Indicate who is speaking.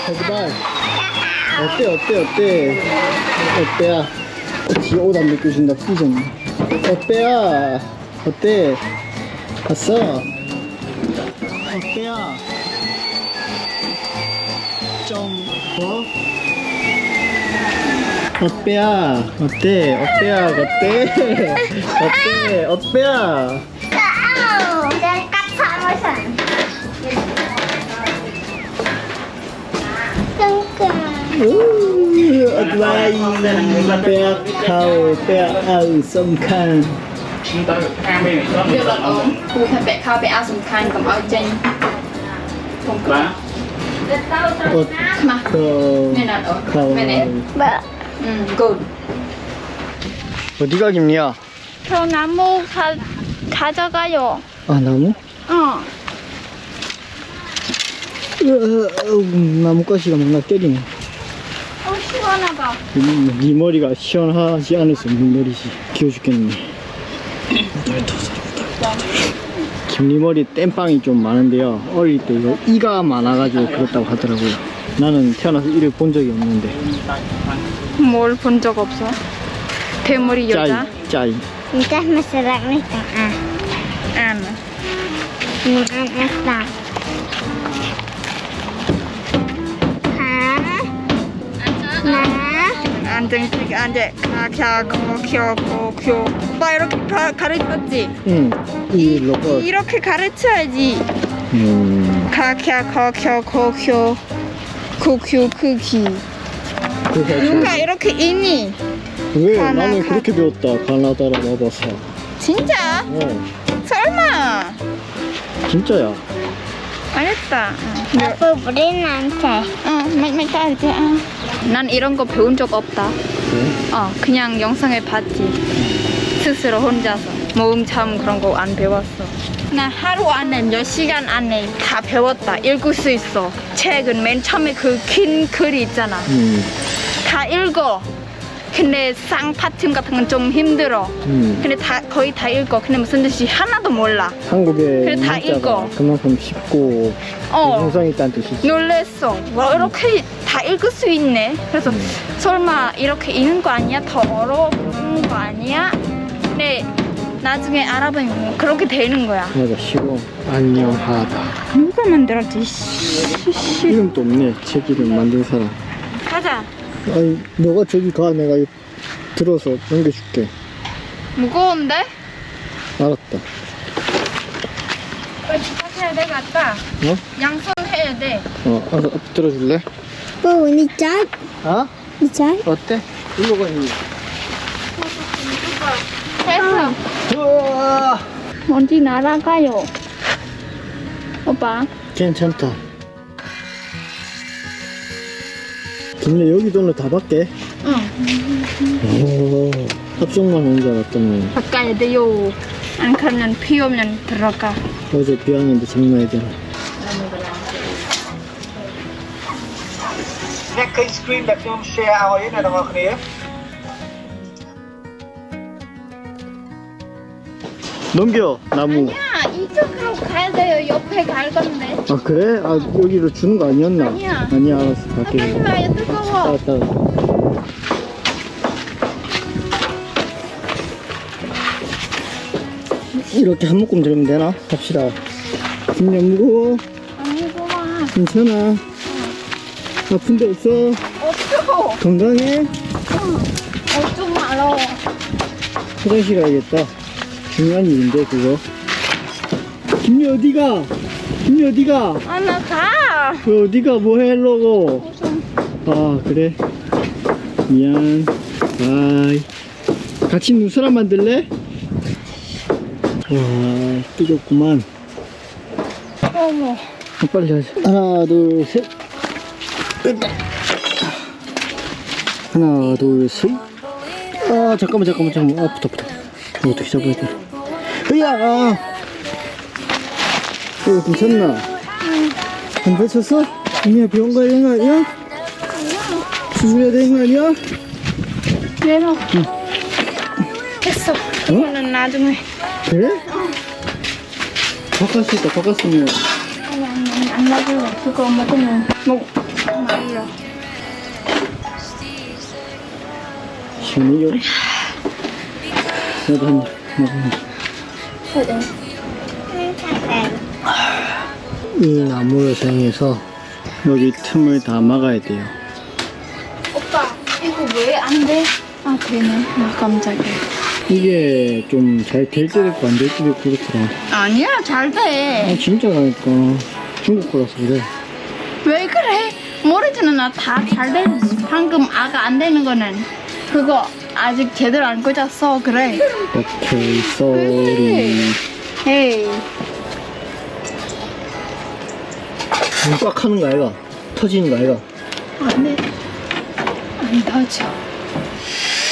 Speaker 1: 제발. 어때? 어때야? 지 옷 안 벗겨준다, 삐졌네. 어때야? 어때? 봤어? 어때야? 좀, 뭐? 어때야? 어때? 어때야?
Speaker 2: Dan cắt sợi môi sẵn.
Speaker 1: Advai Pea khâu Pea ơi sông khăn.
Speaker 3: Việc là ổn. Cô phải bẻ khao bẻ ao sủng khăn cầm ao chênh. Không có. Mà. Mẹ nào ổn. Mẹ này. Good.
Speaker 1: 어디가 김리야?
Speaker 2: 저 나무 가져가요.
Speaker 1: 아 나무? 나뭇가지가 막 나 때리네.
Speaker 2: 시원하다.
Speaker 1: 네 머리가 시원하지 않아서 물머리지. 귀여워 죽겠네. 김리 머리 땜빵이 좀 많은데요. 어릴 때 이거 이가 많아가지고 그렇다고 하더라고요. 나는 태어나서 이를 본 적이 없는데.
Speaker 3: 뭘 본 적 없어? 대머리 여자?
Speaker 1: 짜이.
Speaker 2: Entah masyarakat ni tengah.
Speaker 3: 안.
Speaker 2: Asal.
Speaker 3: 안정식 안돼 가캬 고쿄 오빠 이렇게 가르쳤지?
Speaker 1: 응. 이 로봇.
Speaker 3: 이렇게 가르쳐야지. 가캬 고쿄 크기. 누가 이렇게 있니?
Speaker 1: 왜?
Speaker 3: 가나,
Speaker 1: 나는 그렇게 배웠다. 가나다라 와봐서.
Speaker 3: 진짜? 설마?
Speaker 1: 진짜야.
Speaker 3: 알았다.
Speaker 2: Apa beri nanti?
Speaker 3: 말 따르지. 난 이런 거 배운 적 없다.
Speaker 1: 그래?
Speaker 3: 그냥 영상을 봤지. 스스로 혼자서. 모음참 그런 거 안 배웠어. 나 하루 안에 몇 시간 안에 다 배웠다. 읽을 수 있어. 책은 맨 처음에 그 긴 글이 있잖아. 다 읽어. 근데 쌍파팀 같은 건 좀 힘들어. 근데 거의 다 읽어. 근데 무슨 뜻이 하나도 몰라.
Speaker 1: 한국의
Speaker 3: 그래, 다
Speaker 1: 문자가
Speaker 3: 읽어.
Speaker 1: 그만큼 쉽고 형성이 있다는 뜻이지.
Speaker 3: 놀랬어. 와, 이렇게 다 읽을 수 있네. 그래서 설마 이렇게 읽는 거 아니야? 더 어려운 거 아니야? 근데 나중에 알아보면 그렇게 되는 거야.
Speaker 1: 맞아, 쉬워. 안녕하다.
Speaker 3: 누가 만들었지?
Speaker 1: 이름도 없네. 책 이름 만든 사람.
Speaker 3: 가자.
Speaker 1: 아니, 너가 저기 가. 내가 이거 들어서 넘겨줄게.
Speaker 3: 무거운데?
Speaker 1: 알았다.
Speaker 3: 빨리 부탁해야 돼, 갔다. 양손 해야 돼.
Speaker 1: 알았어. 들어줄래?
Speaker 2: Oh, ni cat.
Speaker 1: 아?
Speaker 2: Ni cat.
Speaker 1: 어때? 일로 가니.
Speaker 3: 됐어.
Speaker 1: 우와.
Speaker 3: 어디 날아가요? 오빠.
Speaker 1: 괜찮다. 근데 여기 돈을 다 받게? 오, 합성만 온 줄 알았더니.
Speaker 3: 바꿔야 돼요. 안 그러면 비 오면 들어가.
Speaker 1: 어제 비 왔는데 장난 아니잖아.
Speaker 4: អ្នកឃើញ screen ដែលខ្ញុំ share ឲ្យណាបងប្អូនគ្នា
Speaker 1: 넘겨, 나무.
Speaker 3: 야, 이쪽으로 가야 돼요. 옆에 갈 건데.
Speaker 1: 아, 그래? 아, 여기로 주는 거 아니었나?
Speaker 3: 아니야.
Speaker 1: 아니야, 알았어. 갈게.
Speaker 3: 하지 마요, 뜨거워.
Speaker 1: 알았다. 이렇게 한 묶음 들으면 되나? 갑시다. 진짜 무거워?
Speaker 3: 아니구만.
Speaker 1: 괜찮아. 아픈 데 없어?
Speaker 3: 없어.
Speaker 1: 건강해?
Speaker 3: 좀 알아.
Speaker 1: 화장실 가야겠다. 중요한 일인데, 그거. 김리 어디가? 김리 어디가?
Speaker 3: 아, 나 가.
Speaker 1: 왜 어디가? 뭐 하려고? 아, 그래? 미안. 바이. 같이 눈사람 만들래? 와, 뜨겁구만.
Speaker 3: 어머.
Speaker 1: 빨리 하자. 하나, 둘, 셋. 됐다. 하나, 둘, 셋. 아, 잠깐만. 아, 붙어. 이거 어떻게 잡아야 돼? 으야! 이거 괜찮나? 안 다쳤어? 언니야, 병원 가야 되는 거 아니야? 수술해야 되는 거 아니야?
Speaker 3: 내려. 됐어. 이거는 나중에.
Speaker 1: 그래? 바꿨을 때 바꿨으면
Speaker 3: 안 먹을래. 그거 먹으면 말려.
Speaker 1: 시원해요. 나도 한 입 먹어보자. 이 나무를 사용해서 여기 틈을 다 막아야 돼요.
Speaker 3: 오빠, 이거 왜 안 돼? 아, 되네. 아, 깜짝이야.
Speaker 1: 이게 좀 잘 될 때도 있고 안 될 때도 있고 그렇더라.
Speaker 3: 아니야, 잘 돼.
Speaker 1: 아 진짜라니까. 중국 거라서 그래.
Speaker 3: 왜 그래? 모르지는 나 다 잘 되지. 방금 아가 안 되는 거는 그거 아직 제대로 안 꽂았어. 그래.
Speaker 1: 오케이, 쏘리.
Speaker 3: 헤이.
Speaker 1: 꽉 하는 거 아이가? 터지는 거 아이가?
Speaker 3: 안 돼. 안 터져.